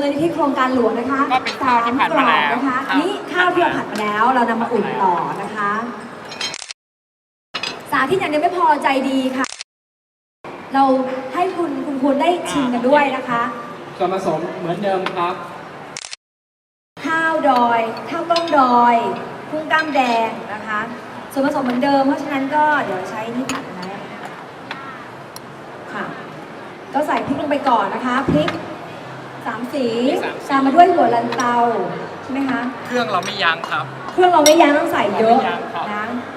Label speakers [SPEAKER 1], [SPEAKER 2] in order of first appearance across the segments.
[SPEAKER 1] ลนิธิโครงการหลวงนะคะ
[SPEAKER 2] ก็เป็นข้าวที่ผัดมาแล้ว
[SPEAKER 1] นะคะอันนี้ข้าวที่เราผัดมาแล้วเรานำมาอุ่นต่อนะคะสาธิตอย่างเดียวไม่พอใจดีค่ะเราให้คุณควรได้ชิมกันด้วยนะคะ
[SPEAKER 3] ส่วนผสมเหมือนเดิมครับ
[SPEAKER 1] ข้าวดอยข้าวต้มดอยกุ้งกล้ามแดงนะคะส่วนผสมเหมือนเดิมเพราะฉะนั้นก็เดี๋ยวใช้นี่ผัดนะค่ะก็ใส่พริกลงไปก่อนนะคะพริก3 สีตามมาด้วยหัวลันเตาใช่ไหมคะ
[SPEAKER 2] เครื่องเราไม่ยั้งครับ
[SPEAKER 1] เครื่องเราไม่ยั้งต้องใส่เยอะนะ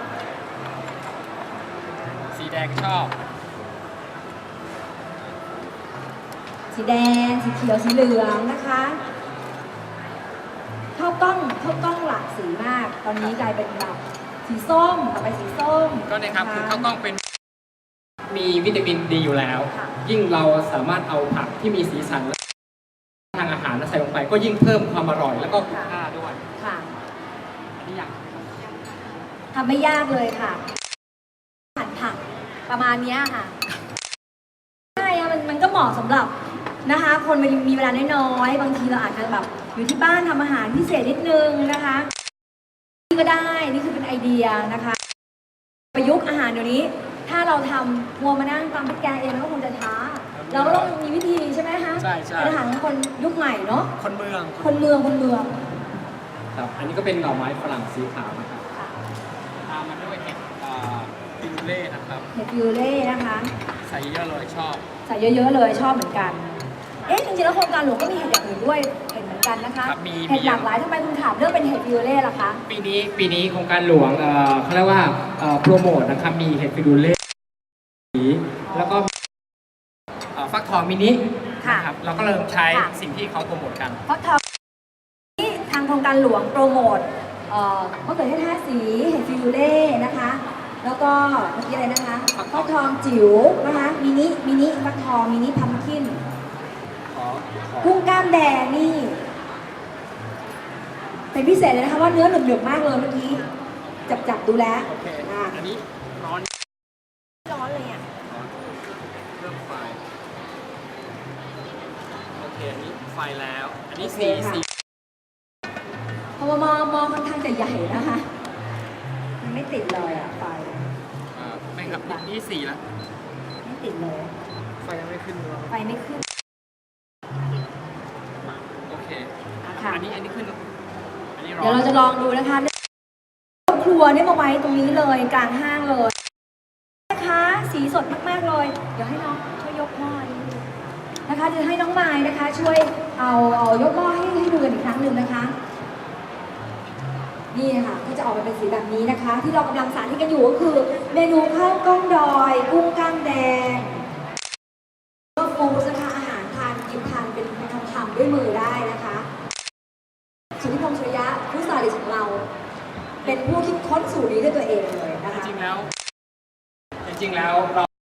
[SPEAKER 2] สีแดงชอบ
[SPEAKER 1] สีแดงสีเขียวสีเหลืองนะคะข้าวกล้องหลากสีมากตอนนี้กลายเป็นแบบสีส้มต่อไปสีส้ม
[SPEAKER 2] ก็เนี่ยครับคือข้าวกล้องเป็น
[SPEAKER 3] มีวิตามินดีอยู่แล้วยิ่งเราสามารถเอาผักที่มีสีสันทางอาหารใส่ลงไปก็ยิ่งเพิ่มความอร่อยแล้วก็คุณค่าด้วย
[SPEAKER 1] ค่ะ
[SPEAKER 3] อันนี้อย่าง
[SPEAKER 1] ทำไม่ยากเลยค่ะหั่นผักประมาณนี้ค่ะใช่มันก็เหมาะสำหรับนะคะคนมีเวลาน้อยๆบางทีเราอาจจะแบบอยู่ที่บ้านทำอาหารพิเศษนิดนึงนะคะนี่ก็ได้นี่คือเป็นไอเดียนะคะประยุกต์อาหารเดี๋ยวนี้ถ้าเราทำมัวมานั่งตำพริกแกงเองมันก็คงจะช้าเราก็ต้องมีวิธีใช่ไหมคะ
[SPEAKER 3] ใช่
[SPEAKER 1] เป็นอาหารคนยุคใหม่เนาะ
[SPEAKER 3] คนเมืองครับอันนี้ก็เป็นหน่อไม้ฝรั่งสีขาวนะครับ
[SPEAKER 2] ตามมาด้วยเห็ดฟิวเล่นะครับ
[SPEAKER 1] เห็ดฟิวเล่นะคะ
[SPEAKER 2] ใส่เยอะเลยชอบ
[SPEAKER 1] ใส่เยอะๆเลยชอบเหมือนกันจริงๆแล้วโครงการหลวงก็มีเห็ดอย่างอื่นด้วยเห็ดเหมือนกันนะคะเห็ดหลากหลายทำไมคุณถามเรื่องเป็นเห็ดฟิวเล่ล่ะคะ
[SPEAKER 3] ปีนี้โครงการหลวงเขาเรียกว่าโปรโมทนะครับมีเห็ดฟิวเล่แล้วก็ฟักทองมินินะครับเราก็เริ่มใช้สิ่งที่เขาโปรโมทกัน
[SPEAKER 1] ฟักทองที่ทางโครงการหลวงโปรโมทมะเขือเทศ5 สีเห็ดฟิวเล่นะคะแล้วก็เมื่อกี้อะไรนะคะฟักทองจิ๋วนะคะมินิฟักทองมินิพัมคินกุ้งกล้ามแดงนี่เป็นพิเศษเลยนะคะว่าเนื้อหนึบๆมากเลยเมื่อกี้จับดูแล้ว
[SPEAKER 2] อันนี้ร้อน
[SPEAKER 1] เลยอ่ะ
[SPEAKER 2] เริ่มไฟโอเคอันนี้ไฟแล้วอันนี้สี
[SPEAKER 1] เพราะว่ามอค่อนข้างจะใหญ่นะคะมันไม่ติดเลยอ่ะไฟ
[SPEAKER 2] ไม่ครับนี่สีแล้ว
[SPEAKER 1] ไม่ติดเลย
[SPEAKER 2] ไฟยังไม่ขึ้นเลย
[SPEAKER 1] ไฟไม่ขึ้น
[SPEAKER 2] โอเคอันนี้ขึ้นอันนี้ร้อน
[SPEAKER 1] เดี๋ยวเราจะลองดูนะคะครัวนี่มาไว้ตรงนี้เลยกลางห้างเลยนะคะสีสดมากๆเลยเดี๋ยวให้น้องช่วยยกหม้อนะคะจะให้น้องไม้นะคะช่วยเอายกหม้อให้ดูกันอีกครั้งหนึ่งนะคะนี่ค่ะก็จะออกมาเป็นสีแบบนี้นะคะที่เรากำลังสาธิตกันอยู่ก็คือเมนูข้าวกล้องดอยกุ้งกล้ามแดงก็ฟูสนะคะอาหารกินทานเป็นคำๆด้วยมือได้นะคะสุทธิพงษ์ชยะผู้สาธิตของเราเป็นผู้คิดค้นสูตรนี้ด้วยตัวเองเลยนะคะ
[SPEAKER 3] จริงๆแล้วเรา